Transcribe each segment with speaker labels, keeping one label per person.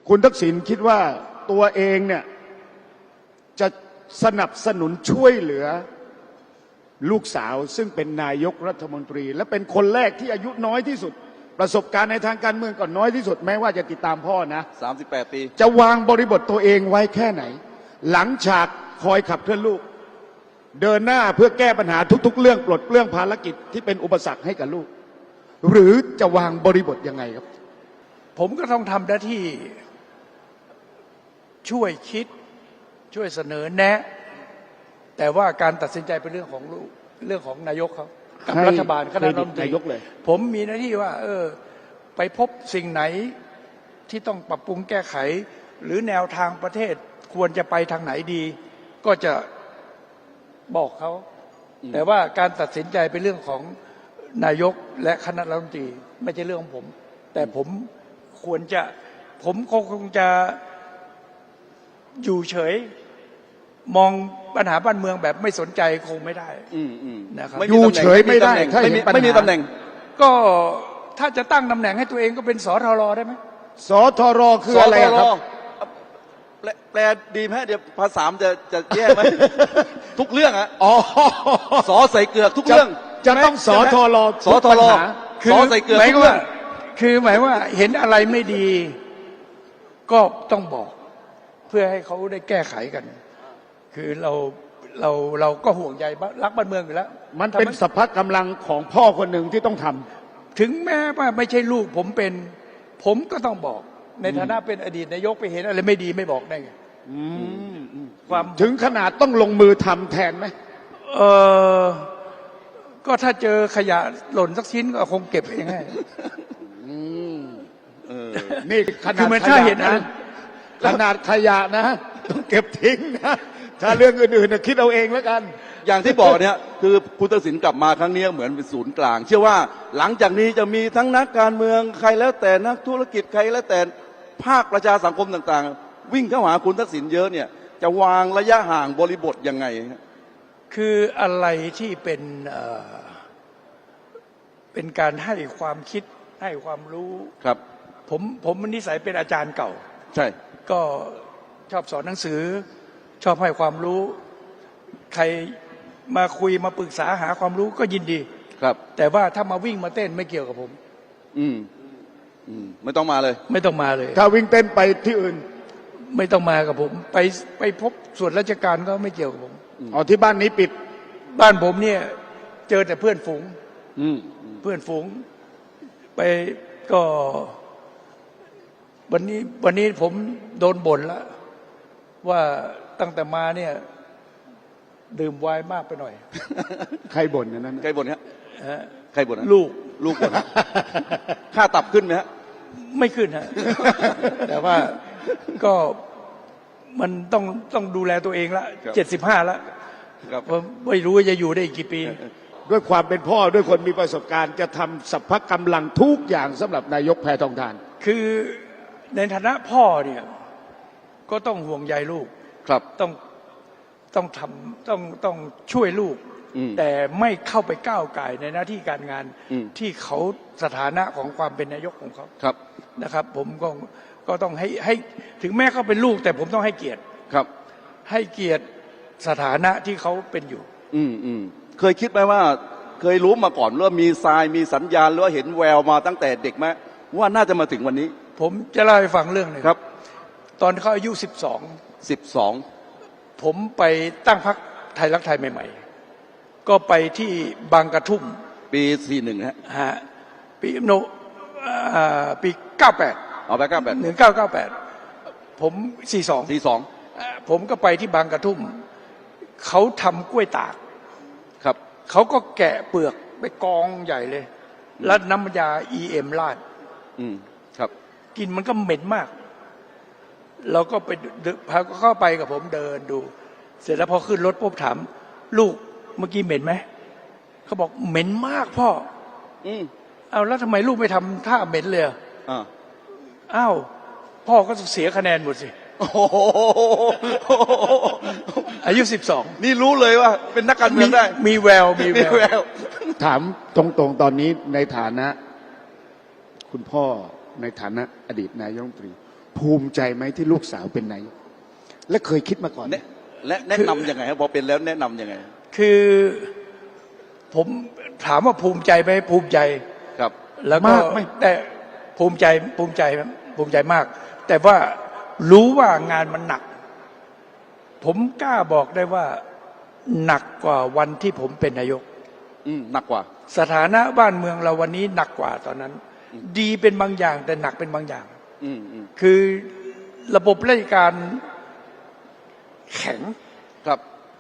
Speaker 1: คุณทักษิณคิดว่าตัวเองเนี่ยจะสนับสนุนช่วยเหลือลูกสาวซึ่งเป็นนายกรัฐมนตรีและเป็นคนแรกที่อายุน้อยที่สุดประสบการณ์ในทางการเมืองก็น้อยที่สุดแม้ว่าจะติดตามพ่อนะ
Speaker 2: 38 ปี
Speaker 1: จะวางบริบทตัวเองไว้แค่ไหนหลังฉากคอยขับเคลื่อนลูกเดินหน้าเพื่อแก้ปัญหาทุกๆเรื่องปลดเปลื้องภารกิจที่เป็นอุปสรรคให้กับลูกหรือจะวางบริบทยังไงครับ
Speaker 3: ผมก็ต้องทำหน้าที่ช่วยคิดช่วยเสนอแนะแต่ว่าการตัดสินใจเป็นเรื่องของลูกเรื่องของนายกเขากับรัฐบาลคณะรัฐมนตรีผมมีหน้าที่ว่าไปพบสิ่งไหนที่ต้องปรับปรุงแก้ไขหรือแนวทางประเทศควรจะไปทางไหนดี ก็จะบอกเขาแต่ว่าการตัดสินใจเป็นเรื่องของนายกและคณะรัฐมนตรีไม่ใช่เรื่องของผมแต่ผมคงจะอยู่เฉยมองปัญหาบ้านเมืองแบบไม่สนใจคงไม่ได้นะครับ
Speaker 1: อยู่เฉยไม่ได้
Speaker 2: ไม่มีตำแหน่ง
Speaker 3: ก็ถ้าจะตั้งตำแหน่งให้ตัวเองก็เป็นสทรได้ไหม
Speaker 1: สทรคืออะไรครับ
Speaker 2: แปลดีไหมเดี๋ยวภาษาจะแย่ไหม ทุกเรื่องอะสอใส่เกือกทุกเรื่อง
Speaker 1: จะต้องสทร
Speaker 2: สอใส่เกือกทุกเรื่อง
Speaker 3: คือหมายว่าเห็นอะไรไม่ดีก็ต้องบอกเพื่อให้เขาได้แก้ไขกันคือเราก็ห่วงใยรักบ้านเมืองอยู่แล้ว
Speaker 1: มันเป็นสภากำลังของพ่อคนหนึ่งที่ต้องทำ
Speaker 3: ถึงแม้ว่าไม่ใช่ลูกผมก็ต้องบอกในฐานะเป็นอดีตนายกไปเห็นอะไรไม่ดีไม่บอกได้ไง
Speaker 1: ความถึงขนาดต้องลงมือทำแทนไหม
Speaker 3: ก็ถ้าเจอขยะหล่นสักชิ้นก็คงเก็บเองให้
Speaker 1: นี่ขนาดขยะนะขนาดขยะนะต้องเก็บทิ้งนะถ้าเรื่องอื่นๆคิดเอาเองแล้วกัน
Speaker 2: อย่างที่บอกเนี่ยคือคุณทักษิณกลับมาครั้งนี้เหมือนเป็นศูนย์กลางเชื่อว่าหลังจากนี้จะมีทั้งนักการเมืองใครแล้วแต่นักธุรกิจใครแล้วแต่ภาคประชาสังคมต่างๆวิ่งเข้าหาคุณทักษิณเยอะเนี่ยจะวางระยะห่างบริบทยังไง
Speaker 3: คืออะไรที่เป็นการให้ความคิดให้ความรู้
Speaker 2: ครับ
Speaker 3: ผมนิสัยเป็นอาจารย์เก่า
Speaker 2: ใช่
Speaker 3: ก็ชอบสอนหนังสือชอบให้ความรู้ใครมาคุยมาปรึกษาหาความรู้ก็ยินดี
Speaker 2: ครับ
Speaker 3: แต่ว่าถ้ามาวิ่งมาเต้นไม่เกี่ยวกับผม
Speaker 2: ไม่ต้องมาเลย
Speaker 3: ไม่ต้องมาเลย
Speaker 1: ถ้าวิ่งเต้นไปที่อื่น
Speaker 3: ไม่ต้องมากับผมไปพบส่วนราชการก็ไม่เกี่ยวกับผม
Speaker 1: ที่บ้านนี้ปิด
Speaker 3: บ้านผมเนี่ยเจอแต่เพื่อนฝูงเพื่อนฝูงไปก็วันนี้ผมโดนบ่นแล้วว่าตั้งแต่มาเนี่ยดื่มไวน์มากไปหน่อย
Speaker 1: ใครบ่นนั้น
Speaker 2: ใครบ่นฮะใครบ่น
Speaker 3: ลูก
Speaker 2: บ่นค่าตับขึ้นไหมฮะ
Speaker 3: ไม่ขึ้นฮะแต่ว่าก็มันต้องดูแลตัวเองละ75แล้วไม่รู้ว่าจะอยู่ได้อีกกี่ปี
Speaker 1: ด้วยความเป็นพ่อด้วยคนมีประสบการณ์จะทำสัพพะกำลังทุกอย่างสำหรับนายกแพทองธาร
Speaker 3: คือในฐานะพ่อเนี่ยก็ต้องห่วงใยลูก
Speaker 2: ครับ
Speaker 3: ต้องทำต้องช่วยลูกแต่ไม่เข้าไปก้าวไก่ในหน้าที่การงานที่เขาสถานะของความเป็นนายกของเขา
Speaker 2: ครับ
Speaker 3: นะครับผมก็ต้องให้ถึงแม้เขาเป็นลูกแต่ผมต้องให้เกียรติ
Speaker 2: ครับ
Speaker 3: ให้เกียรติสถานะที่เขาเป็นอยู่
Speaker 2: เคยคิดไหมว่าเคยรู้มาก่อนว่ามีทรายมีสัญญาณหรือว่าเห็นแววมาตั้งแต่เด็กไหมว่าน่าจะมาถึงวันนี้
Speaker 3: ผมจะเล่าให้ฟังเรื่องหนึ่ง
Speaker 2: ครับ
Speaker 3: ตอนเขาอายุ12ผมไปตั้งพรรคไทยรักไทยใหม่ๆก็ไปที่บางกระทุ่ม
Speaker 2: ปี41ฮะ
Speaker 3: ปี98
Speaker 2: ไป
Speaker 3: 1998ผม42ผมก็ไปที่บางกระทุ่มเขาทำกล้วยตาก
Speaker 2: ครับ
Speaker 3: เขาก็แกะเปลือกไปกองใหญ่เลยแล้วน้ำยา EM ราด
Speaker 2: ครับ
Speaker 3: กินมันก็เหม็นมากเราก็ไปพาเข้าไปกับผมเดินดูเสร็จแล้วพอขึ้นรถปุ๊บถามลูกเมื่อกี้เหม็นไหมเขาบอกเหม็นมากพ่อเอาแล้วทำไมลูกไม่ทำท่าเหม็นเลยอ้าวพ่อก็เสียคะแนนหมดสิอายุ12
Speaker 2: นี่รู้เลยว่าเป็นนักการเมืองได้
Speaker 3: มีแวว
Speaker 1: ถามตรงๆตอนนี้ในฐานะคุณพ่อในฐานะอดีตนายกรัฐมนตรีภูมิใจไหมที่ลูกสาวเป็นนายกและเคยคิดมาก่อนไหม
Speaker 2: และแนะนำยังไงครับพอเป็นแล้วแนะนำยังไง
Speaker 3: คือผมถามว่าภูมิใจไหมภูมิใจ
Speaker 2: ครับ
Speaker 3: แล้วก็
Speaker 1: มากไหม
Speaker 3: แต่ภูมิใจภูมิใจมาก แต่ว่ารู้ว่างานมันหนัก ผมกล้าบอกได้ว่าหนักกว่าวันที่ผมเป็นนายก
Speaker 2: หนักกว่า
Speaker 3: สถานะบ้านเมืองเราวันนี้หนักกว่าตอนนั้น ดีเป็นบางอย่างแต่หนักเป็นบางอย่าง คือระบบราชการแข็ง
Speaker 2: ครับ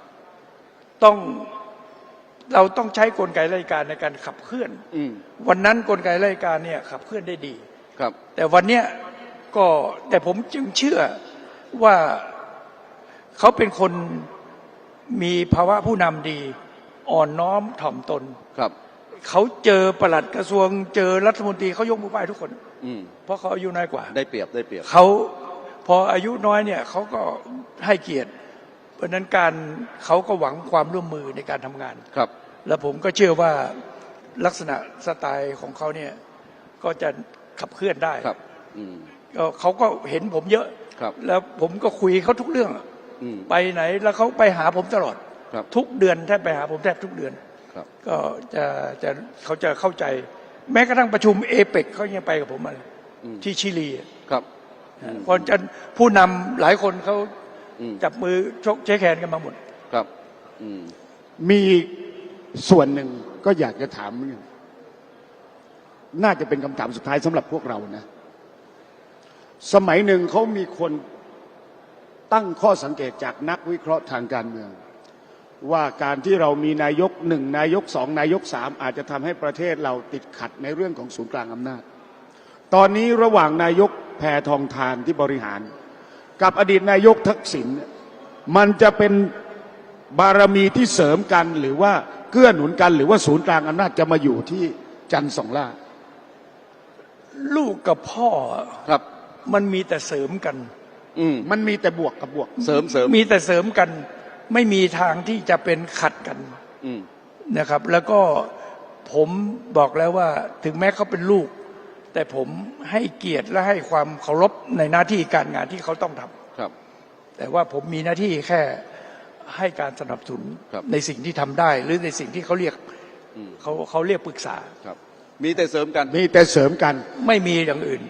Speaker 3: เราต้องใช้กลไกราชการในการขับเคลื่อน วันนั้นกลไกราชการเนี่ยขับเคลื่อนได้ดี
Speaker 2: ครับ
Speaker 3: แต่วันเนี้ยก็แต่ผมจึงเชื่อว่าเขาเป็นคนมีภาวะผู้นำดี อ่อนน้อมถ่อมตน
Speaker 2: ครับ
Speaker 3: เขาเจอปลัดกระทรวงเจอรัฐมนตรีเขายกมือไหว้ทุกคน เพราะเขาอายุน้อยกว่า
Speaker 2: ได้เปรียบได้เปรียบ
Speaker 3: เขาพออายุน้อยเนี่ยเขาก็ให้เกียรติ เพราะฉะนั้นการเขาก็หวังความร่วมมือในการทำงาน
Speaker 2: ครับ
Speaker 3: แล้วผมก็เชื่อว่าลักษณะสไตล์ของเขาเนี่ยก็จะขับเคลื่อนได้
Speaker 2: ครับ
Speaker 3: ก็เขาก็เห็นผมเยอะ
Speaker 2: ครับ
Speaker 3: แล้วผมก็คุยเขาทุกเรื่อง ไปไหนแล้วเขาไปหาผมตลอด
Speaker 2: ครับ
Speaker 3: ทุกเดือนแทบไปหาผมแทบทุกเดือน
Speaker 2: ครับ
Speaker 3: ก็เขาจะเข้าใจ แม้กระทั่งประชุมเอเปกเขายังไปกับผมมาเลยที่ชิลี
Speaker 2: ครับ
Speaker 3: เพอจะผู้นำหลายคนเขาจับมือชกเช็คแขนกันมาหมด
Speaker 2: ครับ
Speaker 1: มีส่วนหนึ่งก็อยากจะถามเหมือนกันน่าจะเป็นคำถามสุดท้ายสำหรับพวกเรานะ สมัยหนึ่งเขามีคนตั้งข้อสังเกตจากนักวิเคราะห์ทางการเมือง ว่าการที่เรามีนายกหนึ่งนายกสองนายกสามอาจจะทำให้ประเทศเราติดขัดในเรื่องของศูนย์กลางอำนาจ ตอนนี้ระหว่างนายกแพทองธารที่บริหาร กับอดีตนายกทักษิณมันจะเป็นบารมีที่เสริมกันหรือว่าเกื้อหนุนกันหรือว่าศูนย์กลางอำนาจจะมาอยู่ที่จันทร์สองล่า
Speaker 3: ลูกกับพ่อ
Speaker 2: ครับ
Speaker 3: มันมีแต่เสริมกัน
Speaker 1: มันมีแต่บวกกับบวก
Speaker 2: เสริม
Speaker 3: มีแต่เสริมกัน ไม่มีทางที่จะเป็นขัดกันนะครับ แล้วก็ผมบอกแล้วว่าถึงแม้เขาเป็นลูก แต่ผมให้เกียรติและให้ความเคารพในหน้าที่การงานที่เขาต้องทำ
Speaker 2: ครับ
Speaker 3: แต่ว่าผมมีหน้าที่แค่ให้การสนับสนุน
Speaker 2: ครับ
Speaker 3: ในสิ่งที่ทำได้ หรือในสิ่งที่เขาเรียกเขาเรียกปรึกษา
Speaker 2: ครับ มีแต่เสริมกัน
Speaker 1: มีแต่เสริมกัน
Speaker 3: ไม่มีอย่างอื่น